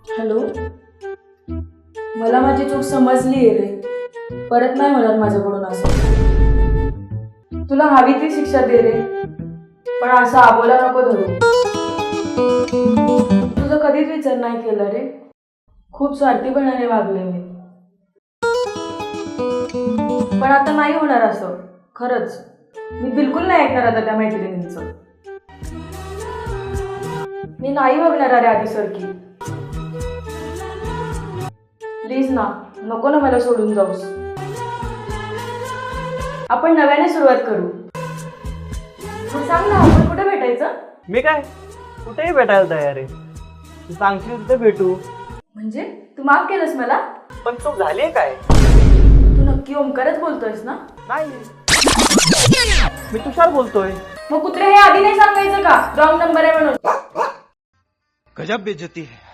Hello, मला माझी चूक समजली आहे रे. परत नाही होणार माझ्याकडून असं. तुला हवी ती शिक्षा दे रे, पण असं आबोला नको धरू. तुझं कधीच विचार नाही केला रे. खूप स्वार्थीपणाने वागले मी, पण आता नाही होणार असं. खरंच मी बिलकुल नाही ऐकणार आता त्या मैत्रिणींचं. मी नाही बघणार अरे आधीसारखी. प्लीज ना, नको ना मला सोडून जाऊस. आपण नव्याने सुरुवात करू. मग सांग ना, आपण कुठे भेटायचं? मी काय कुठेही भेटायला तयार आहे. तू सांगशील तिथे भेटू. म्हणजे तू माफ केलंस मला? पण चूक झाली काय? तू नक्की ओमकारच बोलतोयस ना? नाही, मी तुषार बोलतोय. मग कुत्रे हे आधी नाही सांगायचं का रॉंग नंबर आहे म्हणून? गजब बेइज्जती है.